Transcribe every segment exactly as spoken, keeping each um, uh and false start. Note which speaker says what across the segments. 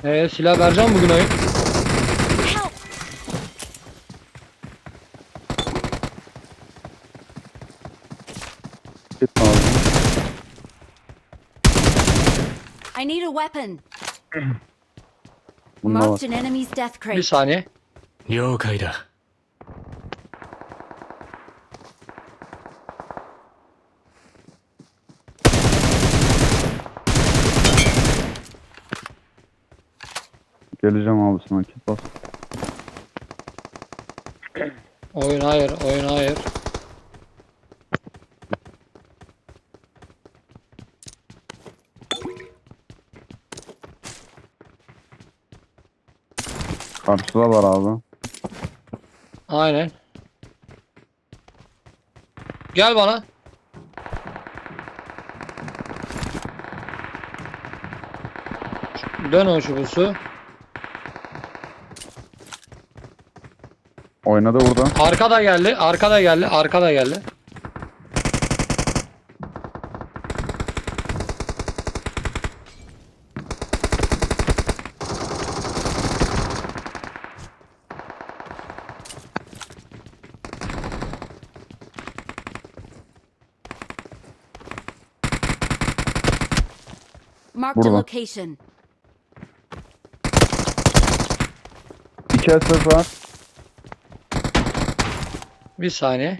Speaker 1: Ee, silah vereceğim bugün oyun.
Speaker 2: Help!
Speaker 3: Git lazım.
Speaker 2: I need a weapon.
Speaker 3: Bunda var.
Speaker 2: Marked an enemy's death
Speaker 1: Bir
Speaker 2: crate.
Speaker 1: saniye.
Speaker 4: 了解だ。
Speaker 3: Geleceğim abi sana kit bas.
Speaker 1: Oyun hayır, oyun hayır.
Speaker 3: Karşıda var abi.
Speaker 1: Aynen. Gel bana. Dön o şubusu.
Speaker 3: Oynadı burada.
Speaker 1: Arkada geldi, arkada geldi, arkada geldi.
Speaker 2: Marked a
Speaker 3: Burada.
Speaker 2: location.
Speaker 3: İki S S var.
Speaker 1: Bir saniye.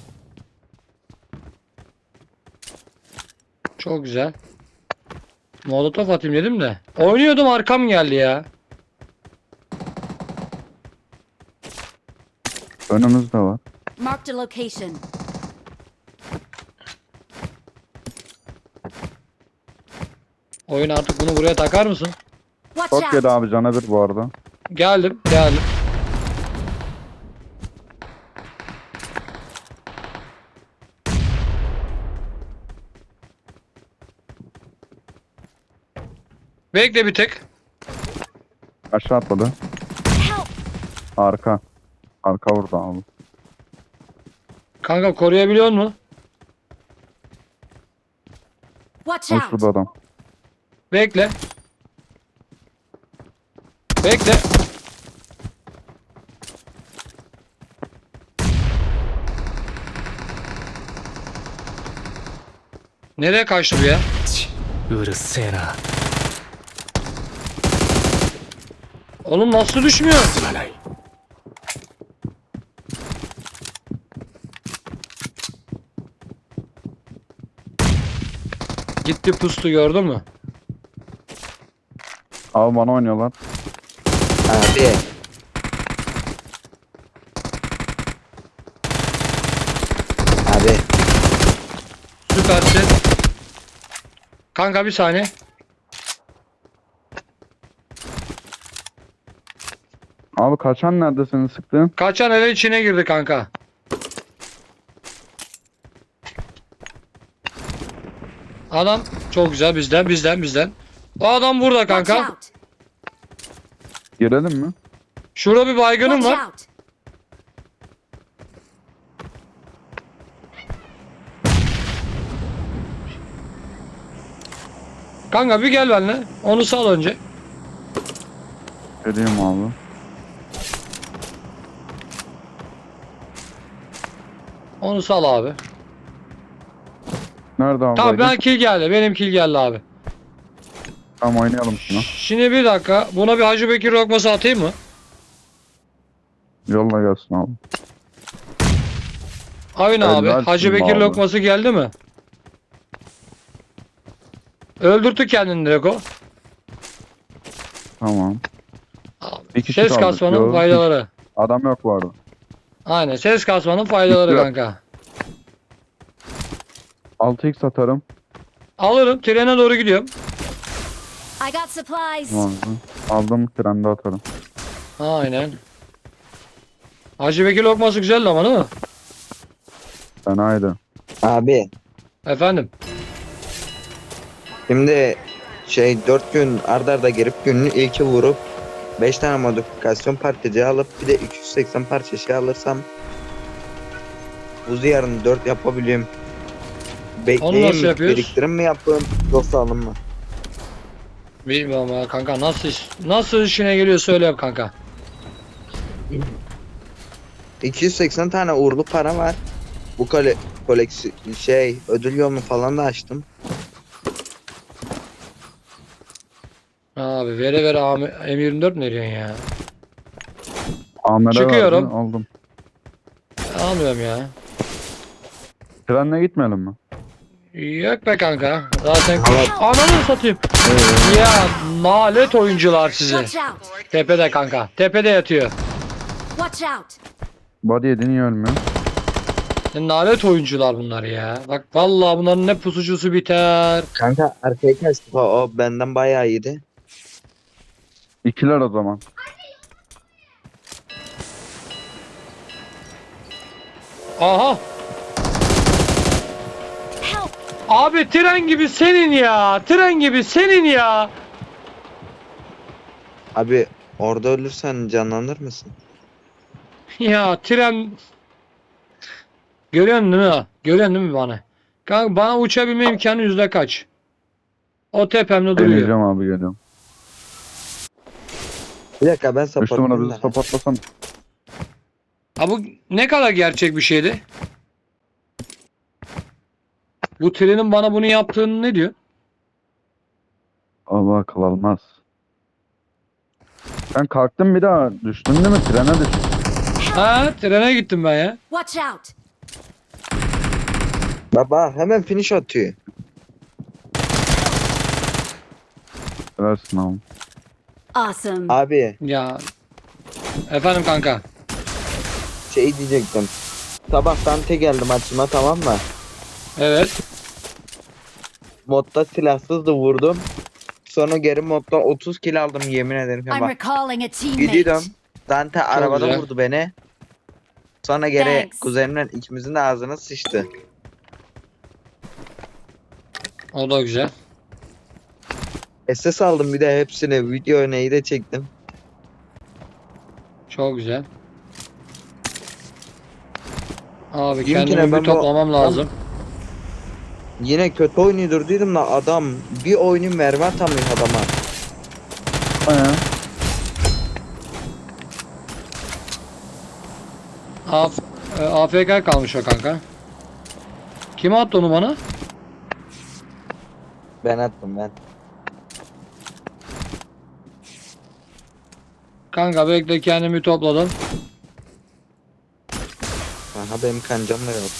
Speaker 1: Çok güzel. Molotof atayım dedim de. Oynuyordum, arkam geldi ya.
Speaker 3: Önümüzde var.
Speaker 2: Marked a location.
Speaker 1: Oyun artık bunu buraya takar mısın?
Speaker 2: Watch
Speaker 3: Çok
Speaker 2: out!
Speaker 3: yedi abi cana bir bu arada.
Speaker 1: Geldim, geldim. Bekle bir tek.
Speaker 3: Aşağı atladı.
Speaker 2: Help!
Speaker 3: Arka. Arka vurdu abi.
Speaker 1: Kanka koruyabiliyor musun?
Speaker 2: Watch
Speaker 3: Hoş
Speaker 2: out!
Speaker 3: burada adam.
Speaker 1: Bekle. Bekle. Nereye kaçtı bu ya?
Speaker 4: うるせえな。
Speaker 1: Oğlum nasıl düşmüyor?
Speaker 4: すまない。
Speaker 1: Gitti pustu, gördün mü?
Speaker 3: Abi bana oynuyorlar.
Speaker 5: Abi abi
Speaker 1: Süpersin. Kanka bir saniye.
Speaker 3: Abi kaçan nerede seni sıktın?
Speaker 1: Kaçan eve içine girdi kanka. Adam çok güzel, bizden bizden bizden. O adam burada
Speaker 2: Watch
Speaker 1: kanka.
Speaker 2: out!
Speaker 3: Girelim mi?
Speaker 1: Şurada bir baygınım
Speaker 2: Watch
Speaker 1: var.
Speaker 2: out!
Speaker 1: Kanka bir gel benimle. Onu sal önce.
Speaker 3: Geleyim abi.
Speaker 1: Onu sal abi.
Speaker 3: Nerede abi?
Speaker 1: Tamam, ben
Speaker 3: baygın?
Speaker 1: kill geldi. Benim kill geldi abi.
Speaker 3: Tamam oynayalım şunu.
Speaker 1: Şimdi bir dakika. Buna bir Hacı Bekir lokması atayım mı?
Speaker 3: Yolla gelsin abi.
Speaker 1: Aynen abi.
Speaker 3: Helal
Speaker 1: Hacı
Speaker 3: olsun
Speaker 1: Bekir
Speaker 3: abi.
Speaker 1: lokması geldi mi? Öldürttü kendini direkt o.
Speaker 3: Tamam. Bir kişi
Speaker 1: Ses
Speaker 3: kaldı.
Speaker 1: kasmanın
Speaker 3: Yok,
Speaker 1: faydaları.
Speaker 3: Adam yok bu arada.
Speaker 1: Aynen, ses kasmanın faydaları
Speaker 3: Yok.
Speaker 1: kanka.
Speaker 3: altı x atarım.
Speaker 1: Alırım, trene doğru gidiyorum.
Speaker 2: I got supplies.
Speaker 3: Tamam. Aldım trende atarım.
Speaker 1: Aynen. Hacı Bekir lokması güzeldi ama değil mi?
Speaker 3: Fenaydı.
Speaker 5: abi
Speaker 1: Efendim.
Speaker 5: şimdi şey dört gün arda arda girip günün ilki vurup beş tane modifikasyon parçacığı alıp bir de iki yüz seksen parça şey alırsam buzu yarın dört yapabiliyorum.
Speaker 1: Onu nasıl
Speaker 5: Bekleyeyim,
Speaker 1: yapıyoruz?
Speaker 5: biriktirim mi yapayım yoksa alın mı?
Speaker 1: Bilmiyorum ya kanka, nasıl iş- nasıl işine geliyor söyle yap kanka.
Speaker 5: iki yüz seksen tane uğurlu para var. Bu kole koleksi şey ödül yolunu falan da açtım.
Speaker 1: Abi vere vere A M yirmi dört mi veriyorsun ya?
Speaker 3: Amer'e
Speaker 1: Çıkıyorum.
Speaker 3: verdi, aldım.
Speaker 1: Almıyorum ya.
Speaker 3: Trenle gitmeyelim mi?
Speaker 1: Yok be kanka. Zaten
Speaker 5: Evet.
Speaker 1: ananı satayım.
Speaker 3: Ee,
Speaker 1: Ya nalet oyuncular sizi.
Speaker 2: Watch out!
Speaker 1: Tepede kanka. Tepede yatıyor.
Speaker 2: Watch out!
Speaker 3: body yedi niye ölmüyor?
Speaker 1: Ya nalet oyuncular bunlar ya. Bak vallahi bunların ne pusucusu biter.
Speaker 5: Kanka arkaya kaçtı. O, o benden bayağı iyiydi.
Speaker 3: İkiler o zaman.
Speaker 1: Aha.
Speaker 2: Help!
Speaker 1: Abi tren gibi senin ya. Tren gibi senin ya.
Speaker 5: Abi orada ölürsen canlanır mısın?
Speaker 1: Ya tren. Görüyorsun değil mi? Görüyorsun değil mi bana? Kanka bana uçabilme imkanı yüzde kaç? O tepemde duruyor.
Speaker 3: Deneyeceğim abi, geliyorum.
Speaker 5: Bir dakika ben
Speaker 3: Üç numara
Speaker 5: supportlayayım
Speaker 3: bizi
Speaker 5: da.
Speaker 3: sapatlasan.
Speaker 1: Ha bu ne kadar gerçek bir şeydi? Bu trenin bana bunu yaptığını ne diyor?
Speaker 3: Allah akıl almaz. Ben kalktım, bir daha düştüm değil mi? Trene düştüm.
Speaker 1: Ha trene gittim ben ya.
Speaker 2: Watch out!
Speaker 5: Baba hemen finish atıyor.
Speaker 3: Versin abi.
Speaker 2: Awesome!
Speaker 5: Abi
Speaker 1: Ya. Efendim kanka.
Speaker 5: şey diyecektim. Sabah Dante geldi maçıma, tamam mı?
Speaker 1: Evet.
Speaker 5: Modda silahsızdı, vurdum. Sonra geri modda otuz kill aldım, yemin ederim.
Speaker 2: I'm
Speaker 5: Bak
Speaker 2: recalling a teammate.
Speaker 5: gidiyorum. Dante arabada
Speaker 1: güzel.
Speaker 5: vurdu beni. Sonra geri
Speaker 2: Thanks.
Speaker 5: kuzenimle ikimizin de ağzına sıçtı.
Speaker 1: O da güzel.
Speaker 5: S S aldım bir de hepsini. Video neyi de çektim.
Speaker 1: Çok güzel. Abi
Speaker 5: Bizimkine
Speaker 1: kendimi
Speaker 5: ben
Speaker 1: bir
Speaker 5: bu-
Speaker 1: toplamam lazım.
Speaker 5: Yine kötü oynuyordur dedim da adam bir oyunu mermi atamıyor adama.
Speaker 3: Aya.
Speaker 1: Af e, A F K kalmış o kanka. Kim attı onu bana?
Speaker 5: Ben attım ben.
Speaker 1: Kanka bekle, kendimi topladım.
Speaker 5: Aha benim kancam da yok.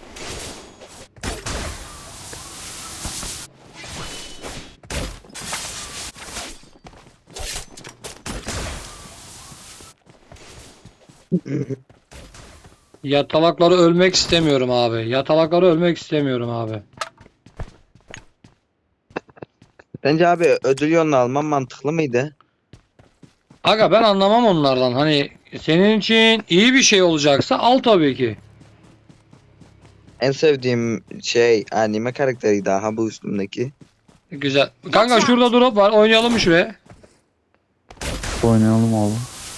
Speaker 1: Yatalakları ölmek istemiyorum abi. Yatalakları ölmek istemiyorum abi.
Speaker 5: Bence abi ödül yolunu almam mantıklı mıydı?
Speaker 1: Aga ben anlamam onlardan. Hani senin için iyi bir şey olacaksa al tabii ki.
Speaker 5: En sevdiğim şey anime karakteri daha bu üstümdeki.
Speaker 1: Güzel. Kanka şurada drop var. Oynayalım mı şuraya?
Speaker 3: Oynayalım oğlum.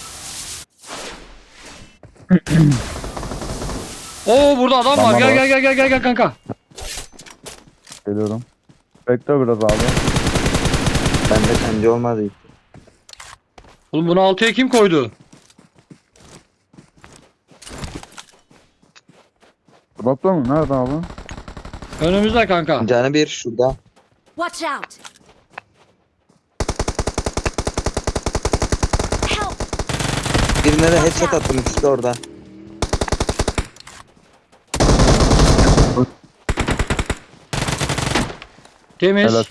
Speaker 1: Oo burada adam var.
Speaker 3: Tamam,
Speaker 1: Gel
Speaker 3: var.
Speaker 1: gel gel gel gel gel kanka.
Speaker 3: Geliyorum. Bekle biraz abi.
Speaker 5: Bende kanca olmadı.
Speaker 1: Oğlum bunu altıya kim koydu?
Speaker 3: Dropta mı? Nerede abi?
Speaker 1: Önümüzde kanka.
Speaker 5: Canı bir şurada.
Speaker 2: Watch out! Help!
Speaker 5: Birine de headshot attım, ikisi de orada.
Speaker 1: Temiz.
Speaker 3: Helal.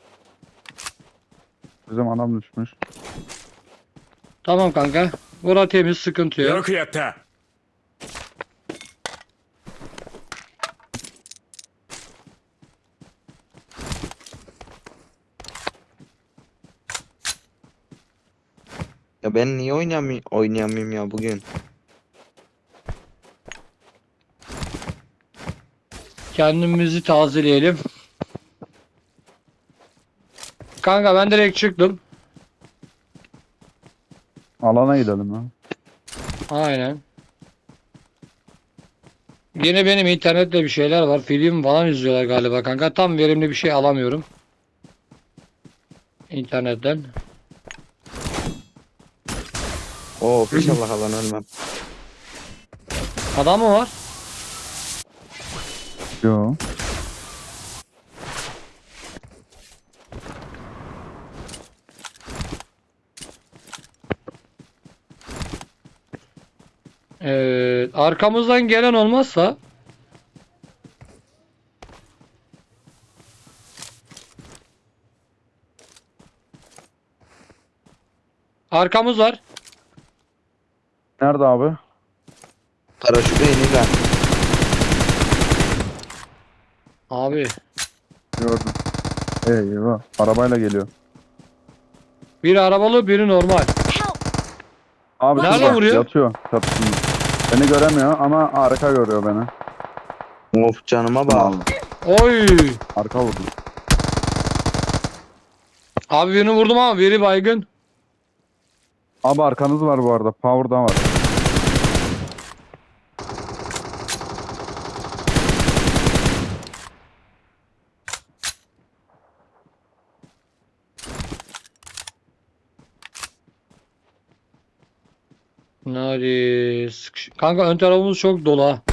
Speaker 3: Bizim anam düşmüş.
Speaker 1: Tamam kanka. Bura temiz, sıkıntı yok.
Speaker 4: よくやった
Speaker 5: Ya ben niye oynayamıyorum, oynayamıyorum ya bugün?
Speaker 1: Kendimizi tazeleyelim. Kanka ben direkt çıktım.
Speaker 3: Alana gidelim ya.
Speaker 1: Aynen. Yine benim internette bir şeyler var. Film falan izliyorlar galiba kanka. Tam verimli bir şey alamıyorum. internetten.
Speaker 5: Of inşallah alan ölmem.
Speaker 1: Adam mı var?
Speaker 3: Yo.
Speaker 1: Evet, arkamızdan gelen olmazsa arkamız var.
Speaker 3: Nerede abi?
Speaker 5: Paraşütle iniyorlar.
Speaker 1: Abi
Speaker 3: Gördüm. Eyvah. Arabayla geliyor.
Speaker 1: biri arabalı, biri normal.
Speaker 2: Help!
Speaker 3: Abi
Speaker 1: Nerede
Speaker 3: şurada
Speaker 1: vuruyor?
Speaker 3: yatıyor çatısında. Beni göremiyor ama arka görüyor beni.
Speaker 5: Of canıma bak.
Speaker 1: Oy!
Speaker 3: Arka vurdu.
Speaker 1: Abi birini vurdum ama biri baygın.
Speaker 3: Abi arkanız var bu arada. Power'da var.
Speaker 1: Nari sıkış- Kanka ön tarafımız çok dolu ha.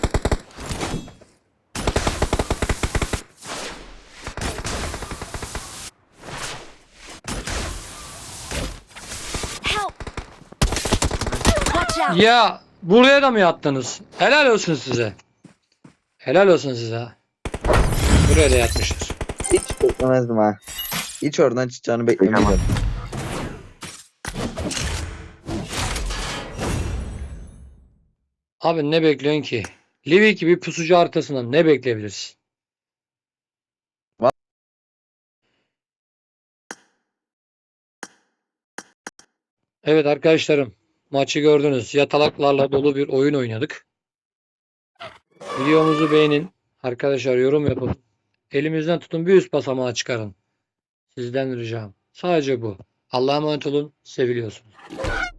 Speaker 2: Help! Watch out!
Speaker 1: Ya buraya da mı yattınız? Helal olsun size. Helal olsun size. Buraya da yatmışlar.
Speaker 5: Hiç beklemezdim ha. Hiç oradan çıkacağını beklemiyordum.
Speaker 1: Abi ne bekliyorsun ki? Livik gibi pusucu haritasından ne bekleyebilirsin?
Speaker 5: Va-
Speaker 1: Evet arkadaşlarım, maçı gördünüz. Yatalaklarla dolu bir oyun oynadık. Videomuzu beğenin. Arkadaşlar yorum yapın. Elimizden tutun, bir üst basamağa çıkarın. Sizden ricam. Sadece bu. Allah'a emanet olun. Seviliyorsunuz.